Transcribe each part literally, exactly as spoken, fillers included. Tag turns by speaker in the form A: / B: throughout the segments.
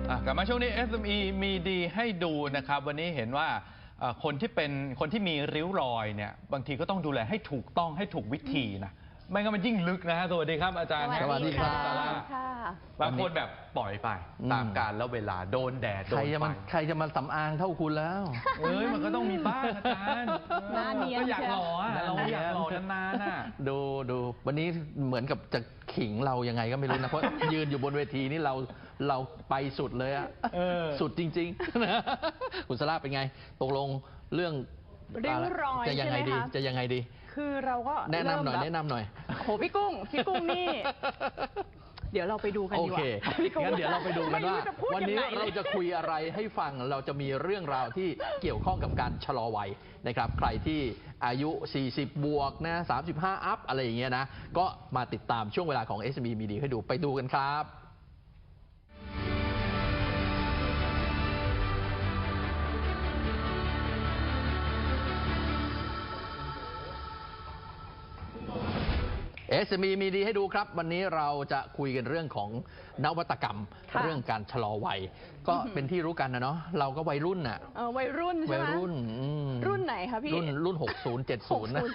A: กลับมาช่วงนี้ เอส เอ็ม อี มีดีให้ดูนะครับวันนี้เห็นว่าคนที่เป็นคนที่มีริ้วรอยเนี่ยบางทีก็ต้องดูแลให้ถูกต้องให้ถูกวิธีนะไม่งั้นมันยิ่งลึกนะฮะสวัสดีครับอาจารย์
B: สวัสดีครับ
A: บางคนแบบปล่อยไปตามกาลแล้วเวลาโดนแดดโดนไฟ
B: ใครจะมาสำอางเท่าคุณแล้ว
A: เอ้ยมันก็ต้องมีบ้างอาจารย์ก็อยากหล่อเราอยากหล่อนานๆน่ะ
B: ดูดูวันนี้เหมือนกับจะขิงเรายังไงก็ไม่รู้นะเพราะยืนอยู่บนเวทีนี่เราเราไปสุดเลยอะสุดจริงๆคุณสลาเป็นไงตกลงเรื่อง
C: ริ้วรอย
B: จะยังไงดีจะยังไงดี
C: คือเราก็
B: แนะนำหน่อยแนะนำหน่อย
C: โหพี่กุ้งพี่กุ้งนี่เดี๋ยวเราไปดูกันดีกว่า
B: โอเคงั้นเดี๋ยวเราไปดูกันว่าวันนี้เราจะคุยอะไรให้ฟังเราจะมีเรื่องราวที่เกี่ยวข้องกับการชะลอวัยนะครับใครที่อายุสี่สิบบวกนะสามสิบห้าอัพอะไรอย่างเงี้ยนะก็มาติดตามช่วงเวลาของ เอส เอ็ม อี มีดีให้ดูไปดูกันครับเอส เอ็ม อี มีดีให้ดูครับวันนี้เราจะคุยกันเรื่องของนวัตกรรมเรื่องการชะลอวัยก็เป็นที่รู้กันนะเนาะเราก็วัยรุ่นน่ะ
C: เออวัยรุ่นใช่ไหม
B: วัยรุ่น
C: รุ่นไหนคะพี่
B: รุ่นรุ่นหกสิบ เจ็ดสิบนะ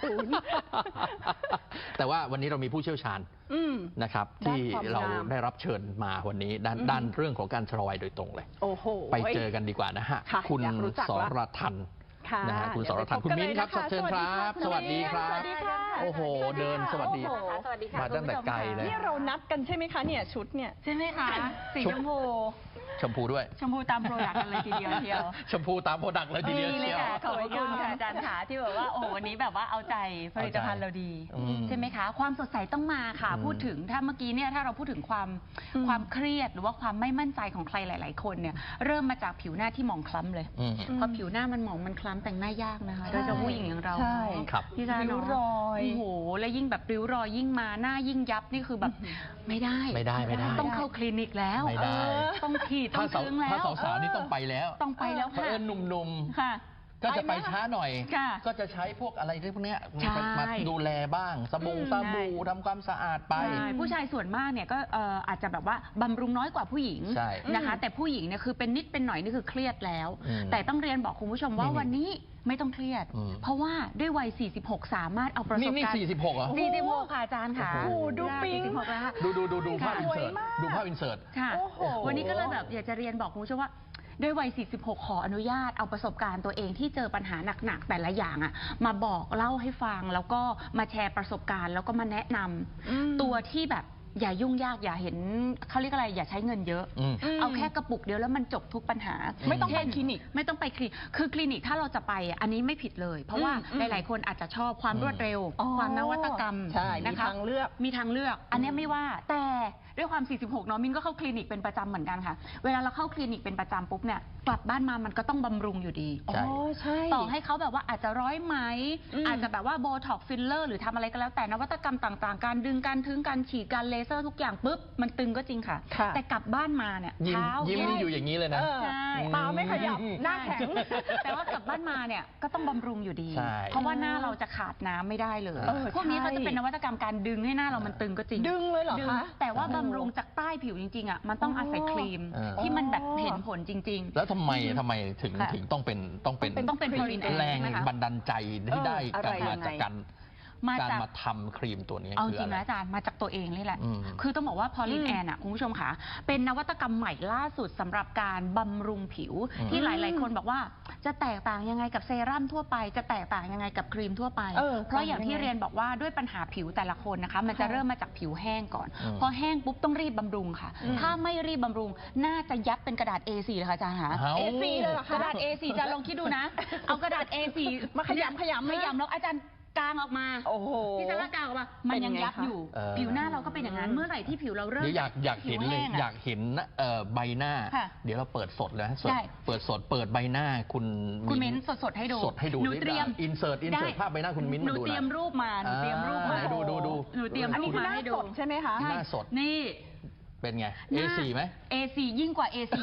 B: แต่ว่าวันนี้เรามีผู้เชี่ยวชาญนะครับที่เราได้รับเชิญมาวันนี้ด้านด้านเรื่องของการชะลอวัยโดยตรงเลย
C: โอ้โห
B: ไปเจอกันดีกว่านะฮะคุณสรทันนะฮะคุณสรทันคุณมิ้นครับเชิญครับสวัสดีครับโอ้โหเดินสวัสดีมาตั้งแต่ไกลเลย
C: นี่เรานัดกันใช่ไหมคะเนี่ยชุดเนี่ย
D: ใช่ไหมคะสีชมพู
B: ชมพูด้วย
D: ชมพูตามโปรดักต์กันเลยทีเดียวเชียว
B: ชมพูตามโปรดักต์เลยทีเดียวเชียว
D: ขอบคุณค่ะอาจารย์ขาที่แบบว่าโอ้วันนี้แบบว่าเอาใจผลิตภัณฑ์เราดีใช่ไหมคะความสดใสต้องมาค่ะพูดถึงถ้าเมื่อกี้เนี่ยถ้าเราพูดถึงความความเครียดหรือว่าความไม่มั่นใจของใครหลายๆคนเนี่ยเริ่มมาจากผิวหน้าที่หมองคล้ำเลยพอผิวหน้ามันหมองมันคล้ำแต่งหน้ายากนะคะโดยเฉพาะผู้หญิงอย่างเรา
C: ที่จะริ้วรอย
D: โอ้โหแล้วยิ่งแบบริ้วรอยยิ่งมาหน้ายิ่งยับนี่คือแบบไม่ได้
B: ไม่ได้ไม่ได้
D: ต้องเข้าคลินิกแล้ว
B: ไม่ได้
D: ต้องฉีดต้องซึ้งแล้ว
B: ถ้าสาวๆนี่ต้องไปแล้ว
D: ต้องไปแล้วค่ะ
B: เอิญหนุ่ม
D: ๆค่ะ
B: ก็จะไปช้าหน่อยก็จะใช้พวกอะไรพวกนี้มาดูแลบ้างสบู่สบู่ทำความสะอาดไป
D: ผู้ชายส่วนมากเนี่ยก็อาจจะแบบว่าบำรุงน้อยกว่าผู้หญิงนะคะแต่ผู้หญิงเนี่ยคือเป็นนิดเป็นหน่อยนี่คือเครียดแล้วแต่ต้องเรียนบอกคุณผู้ชมว่าวันนี้ไม่ต้องเครียดเพราะว่าด้วยวัยสี่สิบหกสามารถเอาประสบการณ์
B: นี่สี่สิบหกเหรอ
D: สี่สิบหกค่ะอาจารย์ค่ะ
C: ดูปิ๊ง
B: ดูดูดูดูภาพอินเสิร์ตดูภาพอินเสิร์ต
D: ค่ะวันนี้ก็เลยแบบอยากจะเรียนบอกคุณผู้ชมว่าด้วยวัยสี่สิบหกขออนุญาตเอาประสบการณ์ตัวเองที่เจอปัญหาหนักๆแต่ละอย่างอ่ะมาบอกเล่าให้ฟังแล้วก็มาแชร์ประสบการณ์แล้วก็มาแนะนำตัวที่แบบอย่ายุ่งยากอย่าเห็นเขาเรียกอะไรอย่าใช้เงินเยอะเอาแค่กระปุกเดียวแล้วมันจบทุกปัญหา
C: ไม่ต้องไปคลินิก
D: ไม่ต้องไปคลินิกคือคลินิกถ้าเราจะไปอันนี้ไม่ผิดเลยเพราะว่าหลายๆคนอาจจะชอบความรวดเร็วความนวัตกรรม
C: นะคะมีทางเลือก
D: มีทางเลือกอันนี้ไม่ว่าแต่ด้วยความสี่สิบหกเนาะมินก็เข้าคลินิกเป็นประจำเหมือนกันค่ะเวลาเราเข้าคลินิกเป็นประจำปุ๊บเนี่ยกลับบ้านมามันก็ต้องบำรุงอยู่ดีต่อให้เขาแบบว่าอาจจะร้อยไหมอาจจะแบบว่าโบท็อกฟิลเลอร์หรือทำอะไรก็แล้วแต่นวัตกรรมต่างๆการดึงการทึงการฉีดการเลเซอร์ทุกอย่างปุ๊บมันตึงก็จริงค่ะแต่กลับบ้านมาเนี่ย
B: เท้ายิ้มอยู่อย่างนี้เลยนะ
D: ใช่
C: ตาไม่ขยับหน้าแข็ง
D: แต่ว่ากลับบ้านมาเนี่ยก็ต้องบำรุงอยู่ดีเพราะว่าหน้าเราจะขาดน้ำไม่ได้เลยพวกนี้เขาจะเป็นนวัตกรรมการดึงให้หน้าเรามันตึงก็จริง
C: ดึงเลยเหรอคะ
D: แต่ว่าบำรุงจากใต้ผิวจริงๆอ่ะมันต้องอาศัยครีมที่มันแบบเห็นผลจริง
B: ๆแล้วทำไมทำไมถึงถึงต้องเป็นต้องเป็น
D: ต้องเป็น
B: แรงบันดาลใจที่ได้การมาจากการการมาทำครีมตัวนี้
D: เอาจริงนะอาจารย์มาจากตัวเองนี่แหละคือต้องบอกว่าพอลินแอนอ่ะคุณผู้ชมค่ะเป็นนวัตกรรมใหม่ล่าสุดสำหรับการบำรุงผิวที่หลายๆคนบอกว่าจะแตกต่างยังไงกับเซรั่มทั่วไปจะแตกต่างยังไงกับครีมทั่วไปเพราะอย่างที่เรียนบอกว่าด้วยปัญหาผิวแต่ละคนนะคะมันจะเริ่มมาจากผิวแห้งก่อนพอแห้งปุ๊บต้องรีบบำรุงค่ะถ้าไม่รีบบำรุงน่าจะยับเป็นกระดาษ เอ โฟร์ เลยค่ะอาจารย์ค่ะ
C: เอ โฟร์ เลยเหรอคะ
D: กระดาษ เอ โฟร์ จะลองคิดดูนะเอากระดาษ เอ โฟร์
C: มาขยำขยำ
D: ขยำแล้วอาจารย์กางออกมา
C: โอ้โห
D: ที่จะกางออกมามันยังยับอยู่ผิวหน้าเราก็เป็นอย่างนั้นเมื่อไหร่ที่ผิวเราเริ่ม
B: อยากอยากเห็นเลยอยากเห็นใบหน้าเดี๋ยวเราเปิดสดเลยสดเปิดสดเปิดใบหน้าคุณ
D: คุณมิ้นสดสดให้ดู
B: สดให้ดู
D: หนูเตรียม
B: อินเสิร์ตอินเสิร์ตภาพใบหน้าคุณมิ้นมาดู
D: หนูเตรียมรูปมาหนูเตรียมรูปมา
B: ดูดูดู
D: หนูเตรียมรูปมาให้ดู
C: ใช่ไหมคะ
B: หน้าสด
D: นี่
B: เป็นไง เอ โฟร์ ไหม
D: เอ โฟร์ ยิ่งกว่า เอ โฟร์ ยับ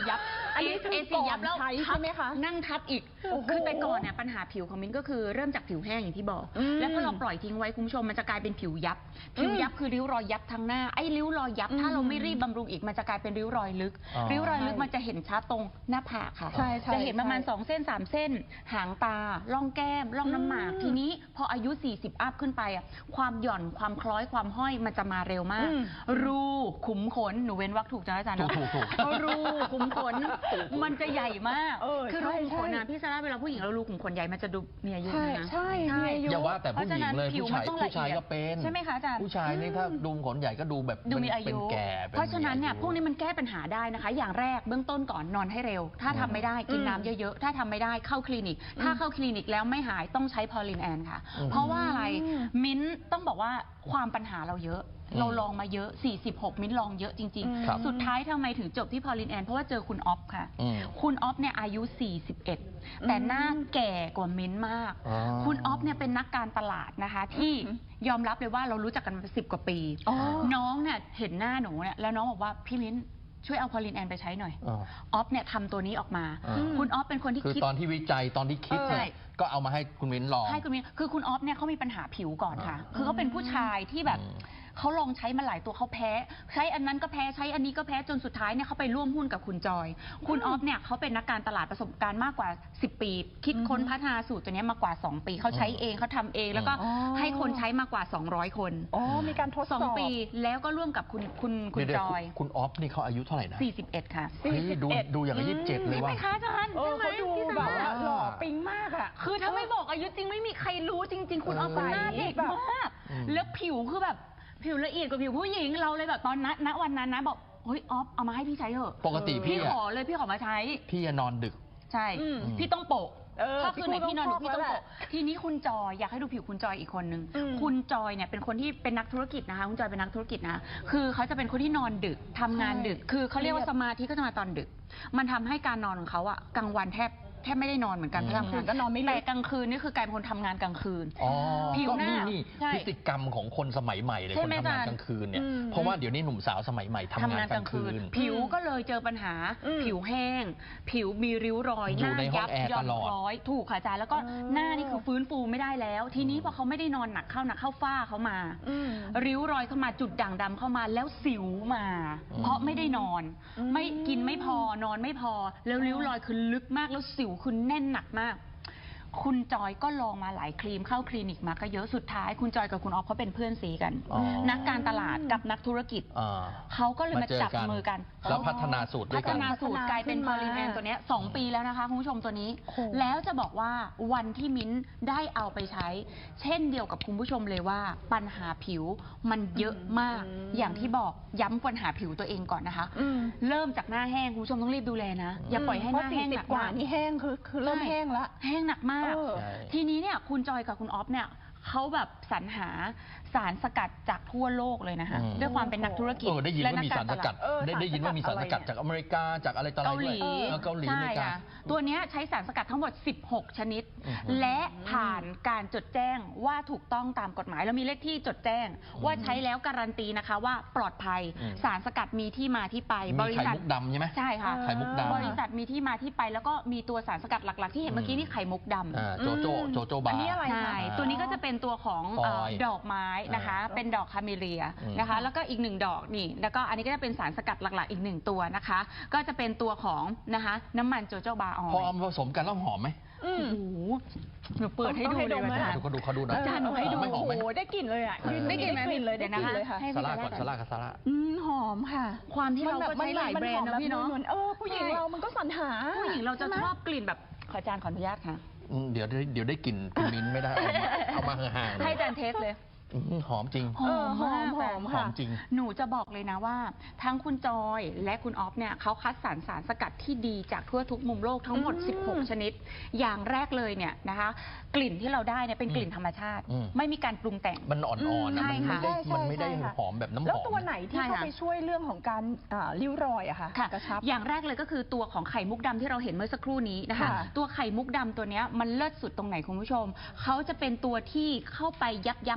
C: อันนี้คือ
D: เอซียับแล้ว
C: ก่อนใช้
D: ทับ
C: ใช่ไหมคะ
D: นั่งทับอีก
C: โอ้โห
D: คือแต่ก่อนเนี่ยปัญหาผิวของมิ้นก็คือเริ่มจากผิวแห้งอย่างที่บอก
C: อืม
D: แล้วพอเราปล่อยทิ้งไว้คุณผู้ชมมันจะกลายเป็นผิวยับ ผิวยับคือริ้วรอยยับทั้งหน้าไอ้ริ้วรอยยับ
C: อืม
D: ถ้าเราไม่รีบบำรุงอีกมันจะกลายเป็นริ้วรอยลึก
B: อ๋อ
D: ริ้วรอยลึกมันจะเห็นชัดตรงหน้าผากค่ะ
C: ใช่ใช่
D: จะเห็นประมาณ
C: ใช่
D: สองเส้นสามเส้น หางตาร่องแก้มร่องน้ำหมาก
C: อืม
D: ทีนี้พออายุสี่สิบอัพขึ้นไปอ่ะความหย่อนความคล้อยความห้อยมันจะมาเร็วมาก
C: อืม
D: รูขุมขนหนูเว้นวรรคถูกจ้ะอาจารย์เนอะ
B: ถูกถูกถูก
D: รูขุมขนมันจะใหญ่มาก
C: เออ
D: คือรู
C: ใช่
D: ขุมขนนะ
C: ใช่
D: พี่ซาร่าเวลาผู้หญิงเรารูขุมขนใหญ่มันจะดูมีอายุ
C: ใช่
D: นะ
C: ใช่มีอายุ
B: อย่าว่าแต่ผู้หญิงเลย
D: พระฉะนั้นผิว
B: ผู้ชาย
D: มันต้อง
B: ผู้ชาย
D: ละเอียด
B: ก็เป็น
D: ใช่ไหมคะอาจารย์
B: ผู้ชายนี่ถ้าดูขนใหญ่ก็ดูแบบ
D: ดูมีอา
B: เป็น
D: ยุ
B: แก่ป็
D: เพราะฉะนั้นเนี่ย
B: มีอา
D: พวกนี้มันแก้ปัญหาได้นะคะ อย่างแรกเบื้องต้นก่อนนอนให้เร็ว ถ้าทำไม่ได้กินน้ำเยอะๆ ถ้าทำไม่ได้เข้าคลินิก ถ้าเข้าคลินิกแล้วไม่หายต้องใช้พอลินแอนค่ะ
B: อืม
D: เพราะว่าอะไร
C: อืม
D: มิ้นท์ต้องบอกว่าความปัญหาเราเยอะ
B: อืม
D: เราลองมาเยอะ สี่สิบหก มิ้นท์ลองเยอะจริง
B: ครับ
D: ๆ สุดท้ายทำไมถึงจบที่พอลินแอนเพราะว่าเจอคุณออฟค่ะ
B: อืม
D: คุณออฟเนี่ยอายุ สี่สิบเอ็ด แต่หน้าแก่กว่ามิ้นท์มาก
B: อ๋อ
D: คุณออฟเนี่ยเป็นนักการตลาดนะคะ ที่ยอมรับเลยว่าเรารู้จักกันมาสิบกว่าปี
C: อ๋อ
D: น้องเนี่ยเห็นหน้าหนูเนี่ยแล้วน้องบอกว่าพี่มิ้นช่วยเอาพอลินแอนไปใช้หน่อย
B: อ๋อ
D: ออฟเนี่ยทำตัวนี้ออกมา
B: อืม
D: คุณออฟเป็นคนที่
B: คือ
D: คิด
B: ตอนที่วิจัยตอนที่คิด
D: เออ
B: เนี่ยก็เอามาให้คุณมิ้นลอง
D: ให้คุณมิ้นคือคุณออฟเนี่ยเขามีปัญหาผิวก่อนค่ะ
B: อ่า
D: คือเขาเป็นผู้ชายที่แบบ
B: อืม
D: เขาลองใช้มาหลายตัวเขาแพ้ ใช้อันนั้นก็แพ้ใช้อันนี้ก็แพ้จนสุดท้ายเนี่ยเขาไปร่วมหุ้นกับคุณจอย คุณออฟเนี่ยเขาเป็นนักการตลาดประสบการณ์มากกว่าสิบปี คิดค้นพัฒนาสูตรตัวเนี้ยมากว่าสองปีเขาใช้เองเขาทำเอง แล้วก็
C: อ๋อ
D: ให้คนใช้มากกว่าสองร้อยคน
C: อ๋อมีการทดส
D: ส
C: อ
D: อบ งปีแล้วก็ร่วมกับคุณคุณคุณ
B: เดี๋ยว
D: จ
B: ๆ
D: อย
B: คุณออฟนี่เขาอายุเท่าไหร่นะ
D: สี่สิบเอ็ดค่ะ
B: เฮ้ยดู
C: สี่สิบเอ็ด
B: ดูอย่างกับยี่สิบเจ็ดเลย
D: ใช่ไห
B: ว่า
D: มคะอาจารย์
C: เออ
D: ใช่ไหม
C: เขาดู
D: พี่
C: แบบ
D: สา
C: ว่า
D: ร่า
C: หล่อปิ๊งมากอ่ะ
D: คือถ้าไม่บอกอายุจริงไม่มีใครรู้จริง ๆ คุณออฟ
B: เออ
D: หน้าเด็กมาก
B: อืม
D: แล้วผิวคือแบบผิวละเอียดกว่าผิวผู้หญิงเราเลยแบบตอนนั้นณวันนั้นนะบอกเฮ้ยออฟเอามาให้พี่ใช้เถอะ
B: ปกติ
D: พี่
B: พี่
D: ข
B: อะ
D: อเลยพี่ขอมาใช้
B: พี่จะนอนดึก
D: ใช่
C: อืม
D: พี่ต้องโปะ
C: เออ
D: ถ้าคืนไหน
C: พี่
D: พี่นอนดึก
C: พูด
D: พี่ต้อง
C: แล้วแห
D: โปะ
C: ละ
D: ทีนี้คุณจอยอยากให้ดูผิวคุณจอยอีกคนนึง
C: อืม
D: คุณจอยเนี่ยเป็นคนที่เป็นนักธุรกิจนะคะคุณจอยเป็นนักธุรกิจนะคือเขาจะเป็นคนที่นอนดึกทำงานดึก คือเขาเรียกว่าสมาธิก็จะมาตอนดึก มันทำให้การนอนของเขาอะกลางวันแทบแทบไม่ได้นอนเหมือนกัน
B: อืม
D: เพราะทำงาน
C: ก็นอนไม่หลับ
D: แต่กลางคืนนี่คือกลายเป็นคนทำงานกลางคืน
B: อ๋อ
D: ผิว
B: ก็
D: หน้า
B: นี่นี่
D: ใช่
B: พฤติกรรมของคนสมัยใหม่เลย
D: ใช่
B: คน
D: ไหม
B: ทำงาน
D: อาจารย์
B: กลางคืนเนี่ย
C: อืม
B: เพราะว่าเดี๋ยวนี้หนุ่มสาวสมัยใหม่ทำงานกลางคืน
D: ผิวก็เลยเจอปัญหา
C: อืม
D: ผิวแห้ง ผิวมีริ้วรอย
B: อยู่
D: หน้า
B: ในห้อง
D: ยับ
B: แอร์
D: ย่อน
B: ตลอด
D: คล้อยถูกค่ะอาจารย์แล้วก็
C: อ๋อ
D: หน้านี่คือฟื้นฟูไม่ได้แล้ว ทีนี้พอเขาไม่ได้นอนหนักเข้าหนักเข้าฝ้าเขามา
C: อืม
D: ริ้วรอยเข้ามาจุดด่างดำเข้ามาแล้วสิวมา
B: อืม
D: เพราะไม่ได้นอน
C: อืม
D: ไม่กินไม่พอนอนไม่พอ แล้วริ้วรอยคือลึกมากแล้วสิวคือแน่นหนักมาก คุณจอยก็ลองมาหลายครีมเข้าคลินิกมาก็เยอะสุดท้าย คุณจอยกับคุณออฟเขาเป็นเพื่อนซีกัน
B: อ๋อ
D: นักการตลาดกับนักธุรกิจ
B: อ่า
D: เขาก็เลยมา
B: เจอ
D: จับมือกัน
B: แล้วพัฒนาสูตรด้
D: พั
B: วย
D: ฒ
B: กัน
D: นาสูตรกลายเป็น
C: ขึ้น
D: พอ
C: มา
D: ลินแอนตัวเนี้ยสองปีแล้วนะคะคุณผู้ชมตัวนี้
C: โอ้โห
D: แล้วจะบอกว่าวันที่มิ้นได้เอาไปใช้ เช่นเดียวกับคุณผู้ชมเลยว่าปัญหาผิวมันเยอะมาก อย่างที่บอกย้ำปัญหาผิวตัวเองก่อนนะคะ
C: อืม
D: เริ่มจากหน้าแห้งคุณผู้ชมต้องรีบดูแลนะ อย่าปล่อยให้หน้าแห้ง
C: เพ
D: ห
C: ระ
D: นัก
C: สี่สิบกว่า
D: าก
C: นี่แห้งคือคือเริ่ม
D: ใช่
C: แห้งละ
D: แห้งหนักมาก
C: เออ
B: ใช่
D: ทีนี้เนี่ยคุณจอยกับคุณออฟเนี่ยเขาแบบสรรหาสารสกัดจากทั่วโลกเลยนะคะ
B: อืม
D: ด้วยความเป็นนักธุรกิจ
B: เออได้ยิน
D: และ
B: ว่ามีสารสกัด
C: เออ
B: ได้ได้ยินว่ามีสารสกัด
C: สารสกัดอะไร
B: จากอเมริกาจากอะไรต่ออะไร
D: เกาหลี
B: ด้วยเออเกาหลีอ
D: ใช่
B: เมริกา
D: ค่ะตัวเนี้ยใช้สารสกัดทั้งหมด สิบหก ชนิด
B: อือหือ
D: และผ่านการจดแจ้งว่าถูกต้องตามกฎหมายแล้วมีเลขที่จดแจ้ง ว่าใช้แล้วการันตีนะคะว่าปลอดภัย
B: อืม
D: สารสกัดมีที่มาที่ไป บ
B: มี
D: ริ
B: ไข่
D: ษัท
B: มุกดำใช่ไหม
D: ใช่ค่ะ
B: ไข่มุกดำ
D: บริษัทมีที่มาที่ไปแล้วก็มีตัวสารสกัดหลักๆ ที่เห็นเมื่อกี้นี่ไข่มุกดำ
B: อ่าโจโจโจโจบา
C: อันนี้อะไร
D: ใช่
B: อ่า
D: ตัวนี้ก็จะเป็นตัวของ
B: ฟอย
D: เอ่อดอกไม้นะคะ
C: อ่า
D: เป็นดอกคาเมเลีย
B: อืม
D: นะคะ แล้วก็อีกหนึ่งดอกนี่ แล้วก็อันนี้ก็จะเป็นสารสกัดหลักๆ อีกหนึ่งตัวนะคะ ก็จะเป็นตัวของนะคะน้ำมันโจโจบาออ
B: พอย เอามาผสมกันแล้วหอมไหม
C: อืม
D: โอ้โหหนูเปิดให้ดู
C: ต้องให้
D: เล
C: ด
D: ย
C: มไหม
D: อาจาร
B: ดู
D: ย์
B: เขาดูเขาดูหน่อย
D: อาจารย์หนูให้ดู
B: ไม่หอมไหม
C: โอ้โหได้กลิ่นเลยอ่ะ
B: เออ
C: ได้กลิ่นเลยได้
D: เดี๋ยว
C: กลิ่น
D: นะคะ
C: เลยค่ะ
D: ให้
B: ซาร่าก่อนซาร่ากับซาร่า
C: อืมหอมค่ะ
D: ความที่เราก็ใช้หลายแบรนด์นะพี่เนาะ
C: เหมือนเออผู้หญิงเรามันก็สรรหา
D: ผู้หญิงเราจะ
C: ใไหม
D: ชอบกลิ่นแบบขออาจารย์ขออนุญาตค่ะ
B: อืมเดี๋ยวได้เดี๋ยวได้กลิ่นกลิ่นมิ้นท์ไม่ได้เอามาเอามาห่างๆ
D: ให้อาจารย์เทสเลย
B: อืมหอมจริง
D: หอมมาก
C: หอม
B: หอมจริง
D: หนูจะบอกเลยนะว่า ทั้งคุณจอยและคุณออฟเนี่ยเขาคัดสรรสารสกัดที่ดีจากทั่วทุกมุมโลกทั้งหมด
C: อืม
D: สิบหก ชนิด อย่างแรกเลยเนี่ยนะคะ กลิ่นที่เราได้เนี่ยเป็นกลิ่นธรรมชาติ
B: อืม
D: ไม่มีการปรุงแต่ง
B: มันอ่อนๆนะ
D: ใช่
B: มันไม่
D: ค่ะ
B: ได้
C: ใช่
B: มันไม่ได้
C: ใช่ค่ะ
B: หอมแบบน้ำหอม
C: แล้วตัวไหนที่
D: ใช่
C: เข้า
D: ค่ะ
C: ไปช่วยเรื่องของการอ่าริ้วรอยอะค่ะ
D: ค่ะ
C: กระชับ
D: อย่างแรกเลยก็คือตัวของไข่มุกดำที่เราเห็นเมื่อสักครู่นี้นะคะ
C: ค่ะ
D: ตัวไข่มุกดำตัวเนี้ยมันเลิศสุดตรงไหนคุณผู้ชม เขาจะเป็นตัวที่เข้าไปยับยั้งเม็ดสี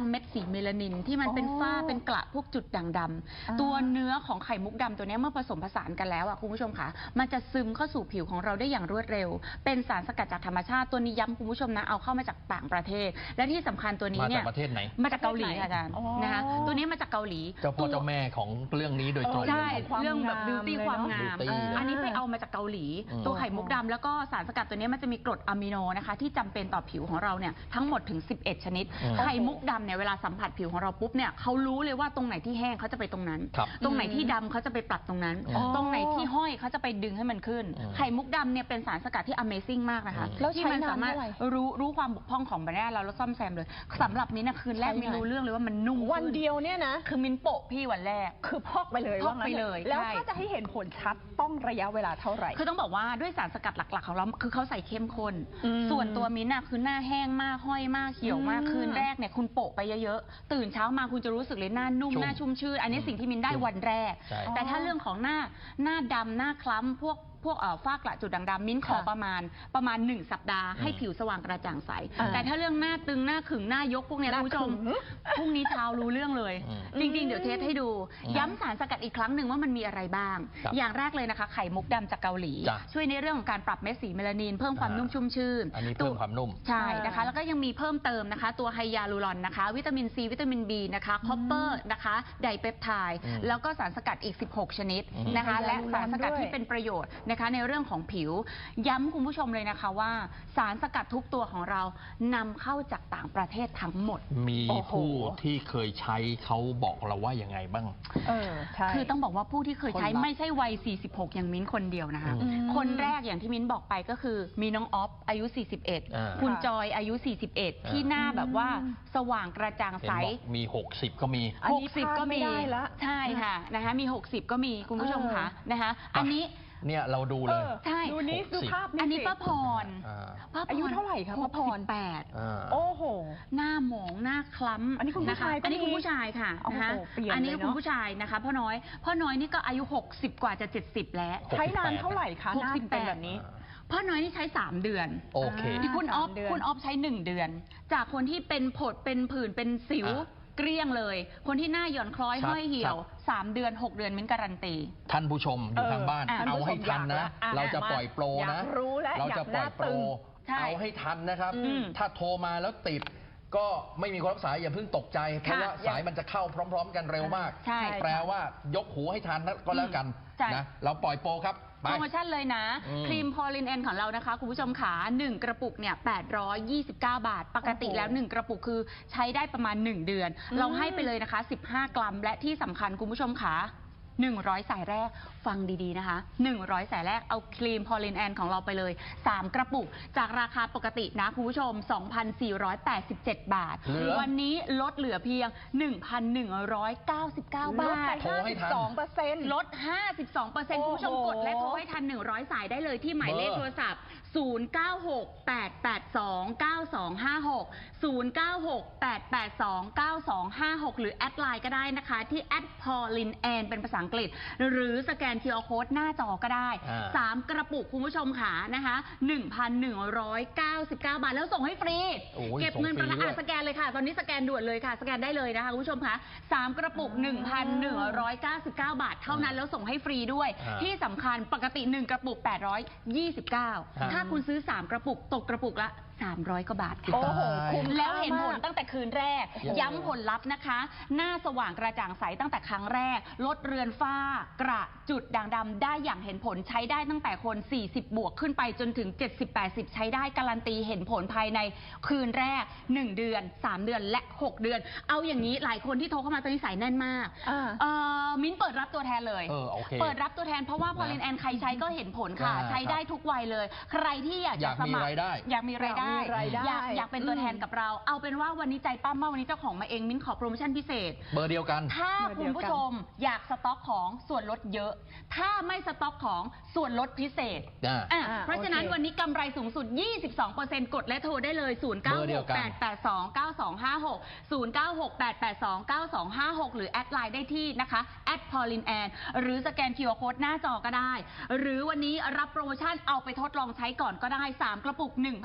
D: เมลานินที่มันเป็นฝ้าเป็นกระพวกจุดด่างดำตัวเนื้อของไข่มุกดำตัวนี้เมื่อผสมผสานกันแล้วอ่ะคุณผู้ชมค่ะมันจะซึมเข้าสู่ผิวของเราได้อย่างรวดเร็วเป็นสารสกัดจากธรรมชาติตัวนี้ย้ำคุณผู้ชมนะเอาเข้ามาจากต่างประเทศและที่สำคัญตัวนี้เนี่ย
B: มาจากประเทศไหน
D: มาจากเกาหลีค่ะอาจารย์นะคะตัวนี้มาจากเกาหลี
B: เจ้าพ่อเจ้าแม่ของเรื่องนี้โดยตรง
D: ใช่เรื่องแบบบิวตี้ความงาม
B: beauty
D: อันนี้ไปเอามาจากเกาหลี ตัวไข่มุกดำแล้วก็สารสกัดตัวนี้มันจะมีกรดอะมิโนนะคะที่จำเป็นต่อผิวของเราเนี่ยทั้งหมดถึงสิบเอ็ดชนิดไข่มุกดำเนี่ยเวลาสัมผัสผิวของเราปุ๊บเนี่ยเขารู้เลยว่าตรงไหนที่แห้งเขาจะไปตรงนั้น ตรงไหนที่ดำเขาจะไปปรับตรงนั้น ตรงไหนที่ห้อยเขาจะไปดึงให้มันขึ้นไข่มุกดำเนี่ยเป็นสารสกัดที่ Amazing มากนะคะที่มันสามารถรู้รู้ความบกพร่องของแบรนด์เราแล้วซ่อมแซมเลยสำหรับมิ้นท์คืนแรกมิ้นรู้เรื่องเลยว่ามันนุ่ม
C: วันเดียวเนี่ยนะ
D: คือมิ้นโปะพี่วันแรก
C: คือพอกไปเลย
D: พอกไปเลย
C: แล้วถ้าจะให้เห็นผลชัดต้องระยะเวลาเท่าไหร่
D: คือต้องบอกว่าด้วยสารสกัดหลักๆของเราคือเขาใส่เข้มข้นส่วนตัวมิ้นท์คือหน้าแห้งมากห้อยมากเขียวมากคืนแรกเนี่ยคุณโปะไปเยอะๆตื่นเช้ามาคุณจะรู้สึกเลยหน้านุ่มหน้าชุ่มชื่นอันนี้สิ่งที่มิ้นได้วันแรกแต่ถ้าเรื่องของหน้าหน้าดำหน้าคล้ำพวกพวกฝ้ากระจุดด่างดำมิ้นขอประมาณประมาณหนึ่งสัปดาห์ให้ผิวสว่างกระจ่างใสแต่ถ้าเรื่องหน้าตึงหน้าขึงหน้ายกพวกนี้คุณผู้ชมพรุ่งนี้เช้ารู้เรื่องเลยจริงๆเดี๋ยวเทสให้ดูย้ำสารสกัดอีกครั้งหนึ่งว่ามันมีอะไรบ้างอย่างแรกเลยนะคะไข่มุกดำจากเกาหลีช่วยในเรื่องของการปรับเม็ดสีเมลานินเพิ่มความนุ่มชุ่มชื่น
B: อันนี้เพิ่มความนุ่ม
D: ใช่นะคะแล้วก็ยังมีเพิ่มเติมนะคะตัวไฮยาลูรอนนะคะวิตามินซีวิตามินบีนะคะคอปเปอร์นะคะไดเปปไทด์แล้วก็สารสกัดอีกสิบหกชนิดนะคะและสารสกัดที่เป็นประโยชน์นะคะในเรื่องของผิวย้ำคุณผู้ชมเลยนะคะว่าสารสกัดทุกตัวของเรานำเข้าจากต่างประเทศทั้งหมด
B: มีผู้ที่เคยใช้เขาบอกเราว่ายังไงบ้าง
C: เออใช่
D: คือต้องบอกว่าผู้ที่เคยใช้ไม่ใช่วัยสี่สิบหกอย่างมิ้นคนเดียวนะคะคนแรกอย่างที่มิ้นบอกไปก็คือมีน้องออฟอายุสี่สิบเอ็ดคุณจอยอายุสี่สิบเอ็ดที่หน้าแบบว่าสว่างกระจ่างใส
B: มีหกสิบก็มี
D: หกสิบก็มีใช่ค่ะนะคะมีหกสิบก็มีคุณผู้ชมค่ะนะคะอันนี้
B: เนี่ยเราดูเลย
D: ใช่
C: ดูนี้ดูภาพ
D: อันนี้ป้าพร
C: ป้าอายุเท่าไหร่คะป้าพร
D: แปด
C: โอ้โห
D: หน้าหมองหน้าคล้ำ
C: อันนี้คุณผู้ชาย
D: อันนี้คุณผู้ชายค่ะนะคะอันนี้คุณผู้ชายนะคะพ่อน้อยพ่อน้อยนี่ก็อายุหกสิบกว่าจะเจ็ดสิบแล้ว
C: ใช้นานเท่าไหร่คะหน้าเป็นแบบนี้
D: พ่อน้อยนี่ใช้สามเดือน
B: โอเค
D: ที่คุณออฟคุณออฟใช้หนึ่งเดือนจากคนที่เป็นผดเป็นผื่นเป็นสิวเกลี้ยงเลยคนที่หน้าหย่อนคล้อยห้อยเหี่ยวสามเดือนหกเดือนมิ้นการันตี
B: ท่านผู้ชมอยู่ทางบ้านเอาให้ทันนะเราจะปล่อยโปรนะเราจะปล่อยโปรเอาให้ทันนะครับถ้าโทรมาแล้วติดก็ไม่มีคนรับสายอย่าเพิ่งตกใจเพราะว่าสายมันจะเข้าพร้อมๆกันเร็วมากแปลว่ายกหูให้ทันก็แล้วกันนะเราปล่อยโปรครับ
D: โปรโมชั่นเลยนะครีมพอลินแอนของเรานะคะคุณผู้ชมขาหนึ่งกระปุกเนี่ยแปดร้อยยี่สิบเก้าบาทปกติแล้วหนึ่งกระปุกคือใช้ได้ประมาณหนึ่งเดือนเราให้ไปเลยนะคะสิบห้ากรัมและที่สำคัญคุณผู้ชมขาหนึ่งร้อยสายแรกฟังดีๆนะคะหนึ่งร้อยสายแรกเอาครีมพอลินแอนของเราไปเลยสามกระปุกจากราคาปกตินะคุณผู้ชม สองพันสี่ร้อยแปดสิบเจ็ด บาทวันนี้ลดเหลือเพียง หนึ่งพันหนึ่งร้อยเก้าสิบเก้า บาท
C: ลดห้าสิบสองเปอร์เซ็นต์
D: ลด ห้าสิบสองเปอร์เซ็นต์ คุณผู้ชมกดและโทรให้ทันหนึ่งร้อยสายได้เลยที่หมายเลขโทรศัพท์ศูนย์ เก้า หก แปด แปด สอง เก้า สอง ห้า หก ศูนย์ เก้า หก แปด แปด สอง เก้า สอง ห้า หกหรือแอดไลน์ก็ได้นะคะที่แอดพอลินแอนเป็นภาษาอังกฤษหรือสแกน คิว อาร์ Code หน้าจอก็ได้สามกระปุกคุณผู้ชมค่ะนะคะ หนึ่งพันหนึ่งร้อยเก้าสิบเก้า บาทแล้วส่งให้ฟรีเก็บเงินประกันสแกนเลยค่ะตอนนี้สแกนด่วนเลยค่ะสแกนได้เลยนะคะคุณผู้ชมคะสามกระปุก หนึ่งพันหนึ่งร้อยเก้าสิบเก้า บาทเท่านั้นแล้วส่งให้ฟรีด้วยที่สำคัญปกติหนึ่งกระปุกแปดร้อยยี่สิบเก้าถ้าคุณซื้อสามกระปุกตกกระปุกละสามร้อยกว่าบาท
C: โอ้โหคุ้ม
D: แล้วเห็นผลตั้งแต่คืนแรกย้ำผลลัพธ์นะคะหน้าสว่างกระจ่างใสตั้งแต่ครั้งแรกลดเรือนฝ้ากระจุดด่างดำได้อย่างเห็นผลใช้ได้ตั้งแต่คนสี่สิบบวกขึ้นไปจนถึงเจ็ดสิบ แปดสิบใช้ได้การันตีเห็นผลภายในคืนแรกหนึ่งเดือนสามเดือนและหกเดือนเอาอย่างนี้หลายคนที่โทรเข้ามาตอนนี้สายแน่นมากเออมิ้นเปิดรับตัวแทนเลย
B: เออโอเค
D: เปิดรับตัวแทนเพราะว่าพอลินแอนใครใช้ก็เห็นผลค่ะใช้ได้ทุกวัยเลยใครที่อยากจะสมัครอยากมีรายได้อยากอยากเป็นตัวแทนกับเราเอาเป็นว่าวันนี้ใจปั้มมากวันนี้เจ้าของมาเองมิ้นขอโปรโมชั่นพิเศษ
B: เบอร์เดียวกัน
D: ถ้าคุณผู้ชมอยากสต็อกของส่วนลดเยอะถ้าไม่สต็อกของส่วนลดพิเศษอ่ะเพราะฉะนั้นวันนี้กำไรสูงสุด ยี่สิบสองเปอร์เซ็นต์ กดและโทรได้เลย ศูนย์ เก้า หก แปด แปด สอง เก้า สอง ห้า หก ศูนย์ เก้า หก แปด แปด สอง เก้า สอง ห้า หกหรือแอดไลน์ได้ที่นะคะแอดพอลินแอนหรือสแกน คิว อาร์ Code หน้าจอก็ได้หรือวันนี้รับโปรโมชั่นเอาไปทดลองใช้ก่อนก็ได้สามกระปุก หนึ่งพันหนึ่ง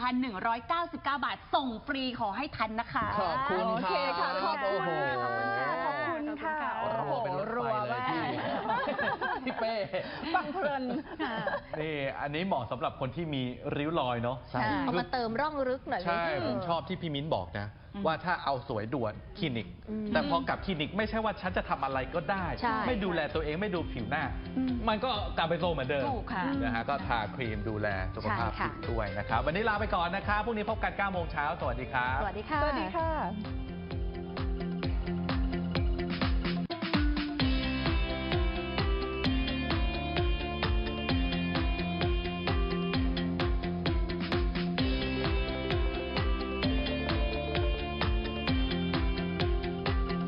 D: ร้อยเก้าสิบเก้า บาทส่งฟรีขอให้ทันนะคะ
B: ขอบคุณ
C: โอเคค่ะขอบคุณ
B: โอ้โห
C: ขอบคุณค่ะ
B: รัวเป็นรถไฟเลยที่พี่เป้
C: ฟังเพลิน
A: นี่อันนี้เหมาะสำหรับคนที่มีริ้วรอยเนาะ
B: ใช่
E: เอามาเติมร่องลึกหน่อย
A: ใช่
E: ไห
A: ผมชอบที่พี่มิ้นบอกนะ
D: อืม
A: ว่าถ้าเอาสวยด่วนคลินิก
E: อืม
A: แต่พอกลับคลินิกไม่ใช่ว่าฉันจะทำอะไรก็ได้
E: ใช่
A: ไม่ดูแลตัวเองไม่ดูผิวหน้า
D: อืม
A: มันก็กลับไปโซมเหมือนเดิม
D: ถูกค่ะ
A: นะฮะก็ทาครีมดูแลสุขภาพ
E: ใช่ค่ะ
A: ผิวด้วยนะครับ วันนี้ลาไปก่อนนะครับพรุ่งนี้พบกันเก้าโมงเช้าสวัสดีครับ
E: สวัสดีค่ะ
C: สวัสดีค่ะ